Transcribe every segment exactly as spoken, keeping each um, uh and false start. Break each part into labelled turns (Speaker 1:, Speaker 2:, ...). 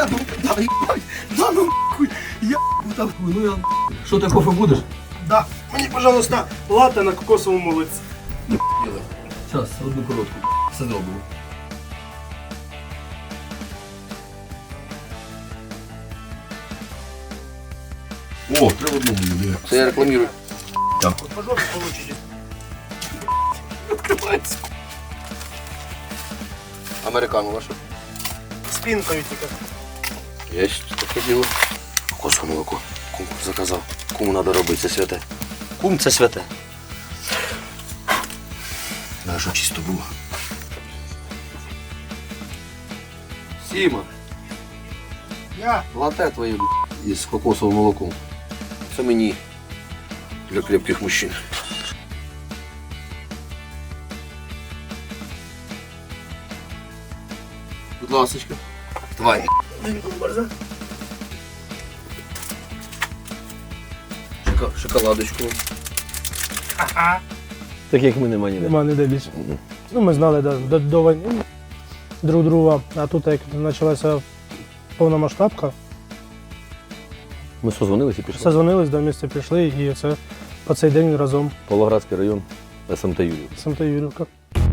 Speaker 1: Да ну, да, ебать, да ну нахуй, я нахуй, ну я... Що, ти кофе будеш?
Speaker 2: Да. Мені, пожалуйста, латте на кокосовому молоці.
Speaker 1: Зараз, одну коротку, все зробимо. О, три в одному буде. Це я рекламірую. Дякую.
Speaker 2: По жопі получите.
Speaker 1: Відкривається. Американу вашу.
Speaker 2: Спинкою тільки.
Speaker 1: Єсть, таке діло. Кокосове молоко. Кум заказав. Куму треба робити, це святе. Кум це святе. Треба, щоб чисто було. Сіма,
Speaker 2: Я.
Speaker 1: лате твоє із кокосовим молоком. Це мені для крепких мужчин. Будь ласочка. Давай. Шока- Шоколадочку.
Speaker 2: Ага.
Speaker 1: Таких ми нема ніде.
Speaker 2: Нема ніде більше. Ну, ми знали да, до, до війни друг друга, а тут як почалася повномасштабка,
Speaker 1: Ми созвонилися і пішли.
Speaker 2: созвонились, до місця пішли і це по цей день разом
Speaker 1: Павлоградський район, ес ем те Юрів.
Speaker 2: з ем те Юрівка.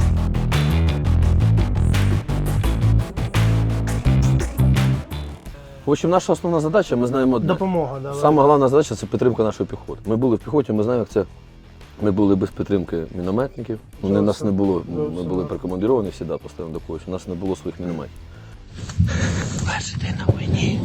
Speaker 1: В общем, наша основна задача, ми знаємо одне.
Speaker 2: Допомога, да.
Speaker 1: Саме головна задача – це підтримка нашої піхоти. Ми були в піхоті, ми знаємо, як це. Ми були без підтримки мінометників. Вони, нас не було, ми були прикомандировані всі, да, постійно до когось. У нас не було своїх мінометів. Перший день на війні.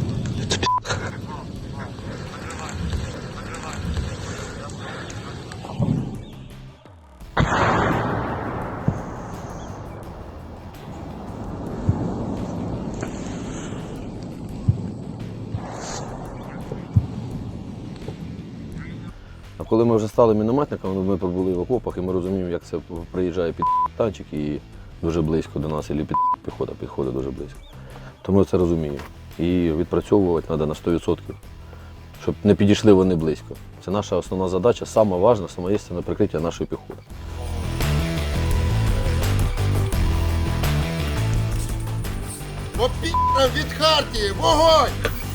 Speaker 1: А коли ми вже стали мінометниками, ми пробули в окопах і ми розуміємо, як це приїжджає під танчик і дуже близько до нас, або під піхота підходить дуже близько. То ми це розуміємо. І відпрацьовувати треба на сто відсотків, щоб не підійшли вони близько. Це наша основна задача, саме важна, саме єстинне прикриття нашої піхоти.
Speaker 3: По пі***ам від Хартії! Вогонь!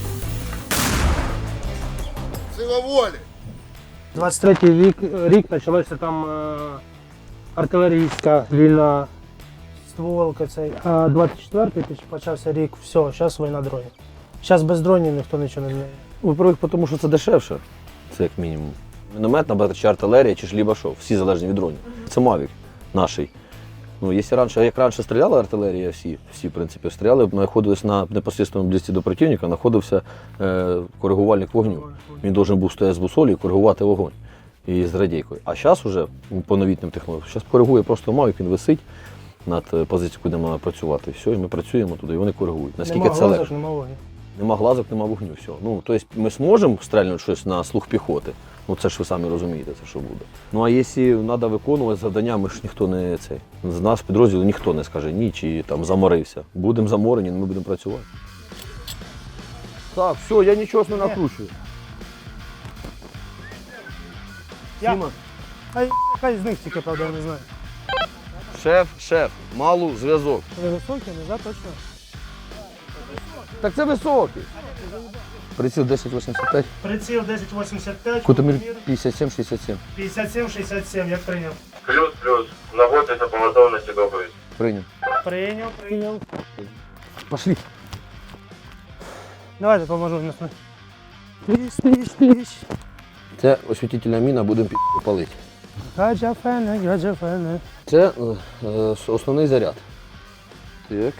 Speaker 3: Сила волі!
Speaker 2: двадцять третій рік, рік почалася там е, артилерійська вільна стволка цей. А двадцять четвертий почався рік, все, зараз війна дронів. Зараз без дронів ніхто нічого не вміє.
Speaker 1: Во-первых, тому що це дешевше, це як мінімум. Міномет, набагато, чи артилерія, чи ж лібашов, всі залежні від дронів. Це Мавік наший. Ну, якщо раніше, як раніше стріляла артилерія, всі, всі в принципі, стріляли, знаходились на непосредственному близьці до противника, знаходився е, коригувальник вогню. Він повинен був стояти з бусолі і коригувати вогонь і з радійкою. А зараз вже по новітнім технологіям, зараз коригує просто Мавік, він висить над позицією, куди має працювати. Все, і ми працюємо туди, і вони коригують. Наскільки
Speaker 2: Нема
Speaker 1: це легко.
Speaker 2: глазок, нема вогню.
Speaker 1: Нема глазок, нема вогню, все. Ну, тобто ми зможемо стрельнути щось на слух піхоти, ну це ж ви самі розумієте, це що буде. Ну а якщо треба виконувати завдання, ми ж ніхто не цей. З нас в підрозділу ніхто не скаже ні, чи там заморився. Будемо заморені, ми будемо працювати. Так, все, я нічого не накручую.
Speaker 2: Я-
Speaker 1: Сіма,
Speaker 2: Хай, хай з них тільки, правда, я не знаю.
Speaker 1: шеф, шеф, малу зв'язок.
Speaker 2: Ви високі, не за точно.
Speaker 1: Так це високий. Приціл десять вісімдесят п'ять,
Speaker 2: Приціл десять вісімдесят п'ять,
Speaker 1: кутомір п'ятдесят сім шістдесят сім.
Speaker 2: п'ятдесят сім шістдесят сім, як прийняв.
Speaker 4: Плюс, плюс. Наводиться по готовності доповідь.
Speaker 1: Прийняв.
Speaker 2: Прийняв, прийняв.
Speaker 1: Пошли.
Speaker 2: Давайте поможу. Пліш, пліш, пліш.
Speaker 1: Це освітительна міна, будемо пі- палити.
Speaker 2: Гаджафене, гаджафене.
Speaker 1: Це е, е, основний заряд. Так.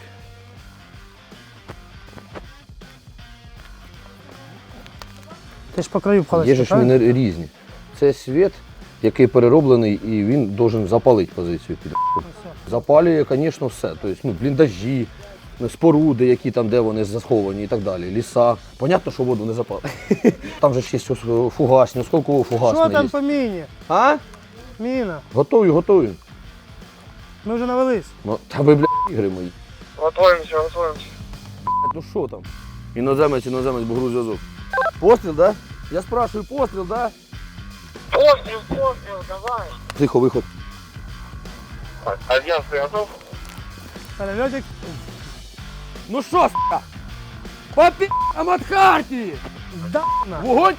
Speaker 2: Ти ж по краю
Speaker 1: Є
Speaker 2: пхалися,
Speaker 1: ж міни різні. Це світ, який перероблений, і він має запалити позицію. Під запалює, звісно, все. Тобто, ну, бліндажі, споруди, які там, де вони заховані і так далі. Ліса. Понятно, що воду не запалить. Там же ж є ось фугасні, скільки фугасні
Speaker 2: Що там
Speaker 1: є.
Speaker 2: по міні?
Speaker 1: А?
Speaker 2: Міна.
Speaker 1: Готую, готую.
Speaker 2: Ми вже навелись.
Speaker 1: Ну, та ви, блядь, ігри мої.
Speaker 4: Готуємося, готуємося.
Speaker 1: Ну що там? Іноземець, іноземець, бугру зв'язок. Постріл, да? Я спрашиваю, постріл, да?
Speaker 4: Постріл, постріл, давай.
Speaker 1: Тихо, виход.
Speaker 4: Так, альянс, ти готов?
Speaker 2: Перельотик.
Speaker 1: Ну що, с***а? По пі***ам от Хартії!
Speaker 2: Да, на.
Speaker 1: Вогонь!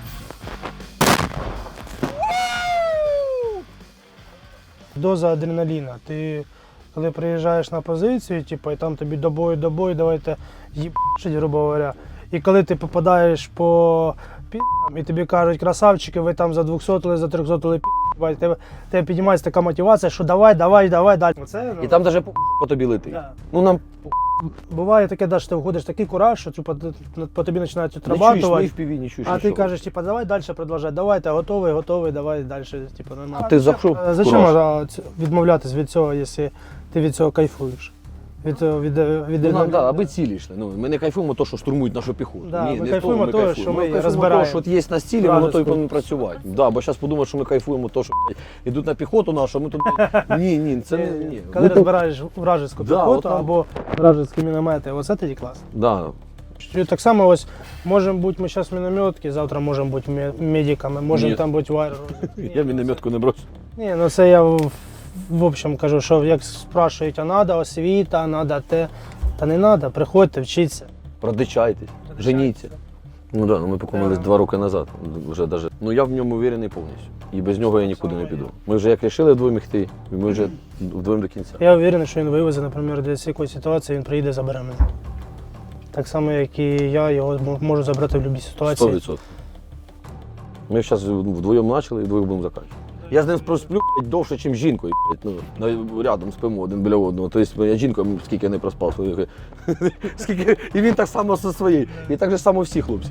Speaker 2: Доза адреналіна. Ти коли приїжджаєш на позицію, типу, і там тобі до бою, до бою, давайте їбашить, грубо говоря. І коли ти попадаєш по пі***ам, і тобі кажуть, красавчики, ви там за двохсотили, за трьохсотили пі***, тебе, тебе піднімається така мотивація, що давай, давай, давай, далі. Це, ну,
Speaker 1: І там навіть по, по тобі летить.
Speaker 2: Да.
Speaker 1: Ну нам
Speaker 2: буває таке, да, що ти входиш в такий кураж, що типу, ти- по тобі починають
Speaker 1: не чуєш,
Speaker 2: отрабатувати.
Speaker 1: ні в піві, не чуєш.
Speaker 2: А ти
Speaker 1: нічого.
Speaker 2: кажеш, типу, давай далі продовжай, давай, ти готовий, готовий, давай далі, типу, нормально.
Speaker 1: А ти зайшов
Speaker 2: А
Speaker 1: в
Speaker 2: зачем
Speaker 1: кураж.
Speaker 2: а, ц- відмовлятись від цього, якщо ти від цього кайфуєш? Від, цього- від, від,
Speaker 1: Ну, нам,
Speaker 2: від-
Speaker 1: да, аби цілі йшли. Ну, ми не кайфуємо то, що штурмують нашу піхоту.
Speaker 2: Да,
Speaker 1: Ні,
Speaker 2: ми
Speaker 1: не
Speaker 2: кайфуємо
Speaker 1: того ми
Speaker 2: того,
Speaker 1: кайфуємо.
Speaker 2: що ми
Speaker 1: кайфуємо
Speaker 2: розбираємо
Speaker 1: того, що от є на стілі, воно то і
Speaker 2: вражеську.
Speaker 1: повинно працювати. Да, бо зараз подумають, що ми кайфуємо то, що блядь, ідуть на піхоту нашу, а ми тут... блядь, Ні, ні, це не... Ні.
Speaker 2: Коли
Speaker 1: Ми тут-
Speaker 2: розбираєш вражеську
Speaker 1: Да,
Speaker 2: піхоту
Speaker 1: отам.
Speaker 2: або вражеські міномети, оце тоді клас.
Speaker 1: Да.
Speaker 2: І так само ось, можемо бути ми зараз мінометки, завтра можемо бути мє- медиками, можемо
Speaker 1: Ні.
Speaker 2: там бути в аеро.
Speaker 1: Я мінометку не брошу.
Speaker 2: Ні, ну це я в, в общем кажу, що як спрашують, а треба освіта, треба те. Та не треба, приходьте, вчіться.
Speaker 1: Продичайтесь, женіться. Ну да, ну ми покумились
Speaker 2: Да.
Speaker 1: два роки назад. Вже даже. Ну я в ньому уверений повністю. І без нього я нікуди не піду. Ми вже як рішили вдвоєм йти, і ми вже вдвоєм до кінця.
Speaker 2: Я впевнений, що він вивезе, наприклад, десь якоїсь ситуації, він приїде, забере мене. Так само, як і я його м- можу забрати в будь-якій
Speaker 1: Сто
Speaker 2: ситуації.
Speaker 1: відсотків. Ми зараз вдвоєм почали і вдвоєм будемо закінчувати. Я з ним просплю блядь, довше, ніж з жінкою. блядь, Ну, на- рядом спимо один біля одного. Тобто я жінкою скільки не проспав. своїх. Скільки... І він так само зі своєю. І так же само всі хлопці.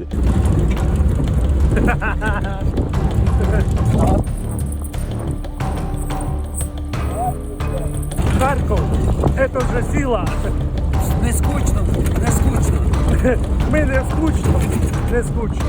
Speaker 5: Харков, это вже сила.
Speaker 6: Не скучно, не скучно.
Speaker 5: Ми не скучно, не скучно.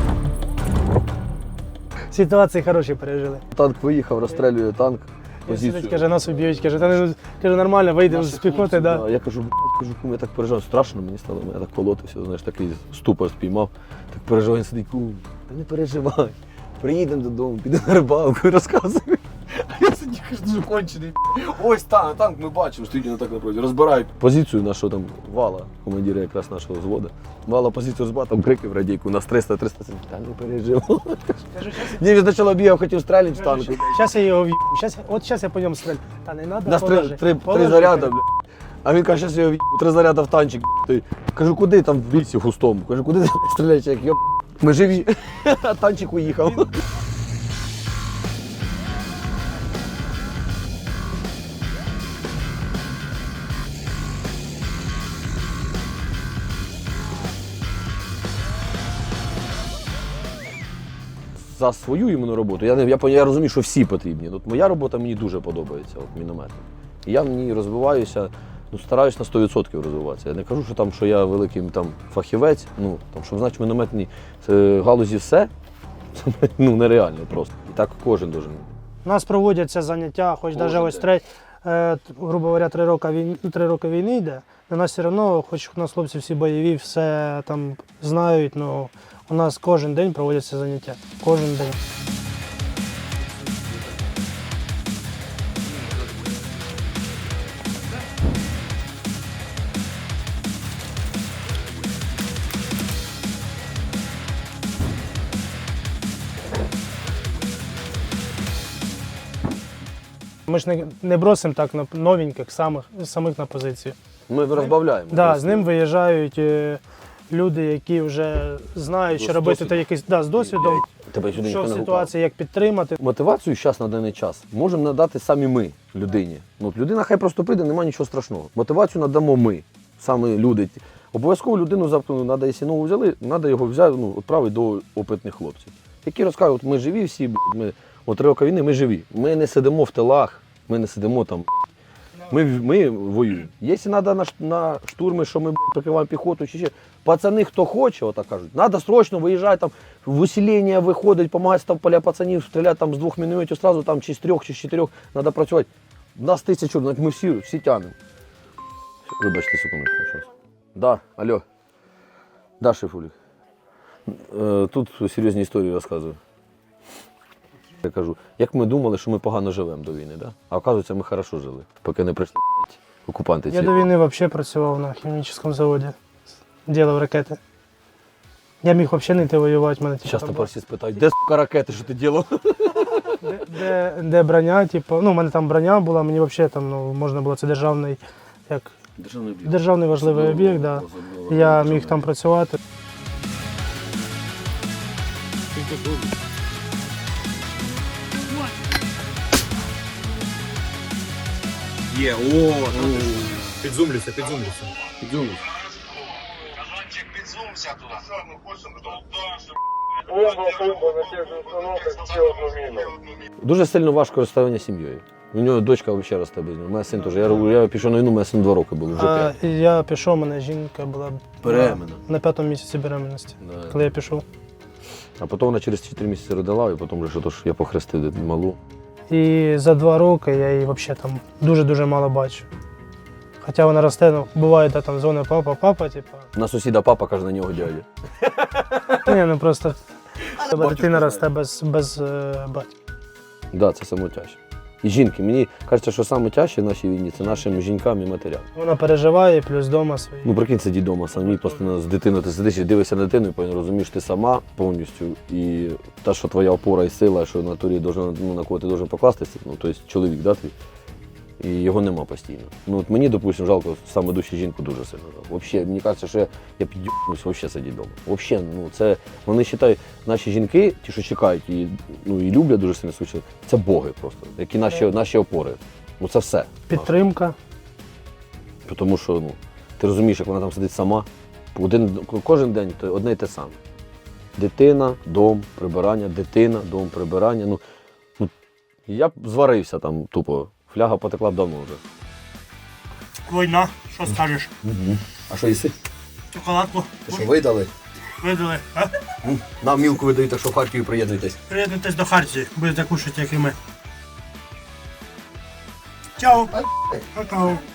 Speaker 2: Ситуації хороші пережили.
Speaker 1: Танк виїхав, розстрілює танк.
Speaker 2: Він сидить,
Speaker 1: Позицію.
Speaker 2: каже, нас уб'ють, каже, та не каже, нормально, вийдемо з
Speaker 1: Наші
Speaker 2: піхоти,
Speaker 1: хлопці,
Speaker 2: да.
Speaker 1: Я кажу, блядь, кажу, кум, я так переживаю. Страшно мені стало, я так колотився, знаєш, такий ступор спіймав. Так переживаю, він сидить, кум, та не переживай. Приїдемо додому, підемо на рибалку і розказуємо. А я сидів, кажу, дуже кончений. Ось танк, танк ми бачимо, стоїть він так напроти, розбирають. Позицію нашого там вала, командира якраз нашого взводу. Вала позицію розбирав, там крики в радійку, у нас триста триста Та не переживай. Ні, він спочатку бігав, хотів стріляти в танку.
Speaker 2: Зараз я його в'їбу, щас, от зараз я по ньому стрелю. Та не треба,
Speaker 1: Нас три, три, три заряди, бля. А він каже, зараз його в'їбу, три заряди в танчик. Той. Кажу, куди там в лісі густому? Кажу, куди ти стріляєш, як йоп. Ми живі. А танчик уїхав. За свою іменно роботу. Я, не, я, я розумію, що всі потрібні. От моя робота мені дуже подобається, от міномет. І я в ній розвиваюся, ну, стараюсь на сто відсотків розвиватися. Я не кажу, що, там, що я великий там, фахівець, ну, там, щоб значить в мінометній е, галузі все, це ну, нереально просто. І так кожен должен.
Speaker 2: У нас проводяться заняття, хоч
Speaker 1: Кожен
Speaker 2: навіть ось
Speaker 1: день.
Speaker 2: три, е, грубо говоря, три роки війни, три роки війни йде. На нас все одно, хоч у нас хлопці всі бойові, все там знають, ну у нас кожен день проводяться заняття. Кожен день. Ми ж не, не бросимо так на новеньких, самих, самих на позицію.
Speaker 1: Ми розбавляємо.
Speaker 2: Да,
Speaker 1: просто.
Speaker 2: з ним виїжджають е, люди, які вже знають,
Speaker 1: З
Speaker 2: що робити,
Speaker 1: досвідом.
Speaker 2: та якийсь да, з досвідом,
Speaker 1: Тебе сюди
Speaker 2: що
Speaker 1: ніхто
Speaker 2: в
Speaker 1: не гукав.
Speaker 2: ситуації, як підтримати.
Speaker 1: Мотивацію зараз на даний час можемо надати самі ми людині. Ну, от людина хай просто прийде, немає нічого страшного. Мотивацію надамо ми, саме люди. Обов'язково людину завтра, треба, якщо нову взяли, треба його взяти, ну, відправити до опитних хлопців. Які розкажуть, ми живі всі, б***ь, ми, от три роки війни ми живі. Ми не сидимо в тилах, ми не сидимо там. Ми, ми воюємо. Якщо треба на, ш- на штурми, що ми б***ь, прикриваємо піхоту, чи ще, пацани, хто хоче, отак кажуть, треба срочно виїжджати, там, в усилення виходить, допомагати там поля пацанів, стріляти там, з двох мінометів одразу, там, чи з трьох, чи з чотирьох, треба працювати. Нас тисячу, навіть ми всі, всі тягнемо. Вибачте, секундочку, щось. Да, алло. Да, шефулік. Е, Тут серйозні історії розказую. Я кажу, як ми думали, що ми погано живемо до війни, да? А оказується, ми хорошо жили, поки не прийшли блядь, окупанти ці.
Speaker 2: Я до війни взагалі працював на хімічному заводі, ділав ракети. Я міг взагалі не йти воювати, в мене типу,
Speaker 1: Зараз
Speaker 2: там
Speaker 1: тепер всі спитають, де сука ракети, що ти робив?
Speaker 2: де, де, де броня, типу, ну, у мене там броня була, мені взагалі там, ну, можна було, це державний, як,
Speaker 1: Державний об'єкт.
Speaker 2: державний важливий об'єкт, да. Я міг там працювати.
Speaker 7: Є, о, підзумлюся, підзумлюся.
Speaker 4: Бомба, бомба на тех же установках, все одну мину.
Speaker 1: Дуже сильно важко розставлення сім'єю. У нього дочка взагалі росте без нього. У мене син теж. Я, я пішов на війну, у мене син два роки було, вже
Speaker 2: А,
Speaker 1: п'ять.
Speaker 2: я пішов, у мене жінка була
Speaker 1: Беременна.
Speaker 2: на п'ятому місяці беременності,
Speaker 1: Да.
Speaker 2: коли я пішов.
Speaker 1: А потім вона через чотири місяці родила, і потім вже що то ж я похрестив малу.
Speaker 2: І за два роки я її взагалі там дуже-дуже мало бачу. Хоча вона росте, ну, буває, де там дзвонить папа, папа, типу.
Speaker 1: На сусіда папа каже на нього дядя.
Speaker 2: Ні, ну просто тебе
Speaker 1: батюшка
Speaker 2: дитина
Speaker 1: знає.
Speaker 2: росте без, без е, батька.
Speaker 1: Так, да, це саме тяжче. І жінки, мені кажеться, що саме тяжче в нашій війні це нашим жінкам і матерям.
Speaker 2: Вона переживає, плюс вдома свої.
Speaker 1: Ну прикинь, сидіть вдома самі, постійно з дитиною, ти сидиш і дивишся на дитину, і потім розумієш, ти сама повністю. І те, що твоя опора і сила, що на турі должна, ну, на кого ти должен покластися, ну тобто чоловік, да, твій, і його нема постійно. Ну от мені, допустимо, жалко саме душі жінку дуже сильно. Взагалі, мені кажеться, що я, я під'їбнусь взагалі сидіти вдома. Взагалі, ну це, вони вважають, наші жінки, ті, що чекають і, ну, і люблять дуже сильно свою чоловіка, це боги просто, які наші, наші опори. Ну це все.
Speaker 2: Підтримка.
Speaker 1: Тому що ну, ти розумієш, як вона там сидить сама. Один, кожен день то одне й те саме. Дитина, дом, прибирання, дитина, дом, прибирання. Ну, ну, я б зварився там тупо. Фляга потекла б давно вже.
Speaker 5: Війна, що скажеш?
Speaker 1: А що їси?
Speaker 5: Шоколадку
Speaker 1: Що видали?
Speaker 5: видали, а?
Speaker 1: Нам мілку видають, так що в Харків приєднуйтесь.
Speaker 5: Приєднуйтесь до Хартії, будете кушати, як і ми. Чао! Какао.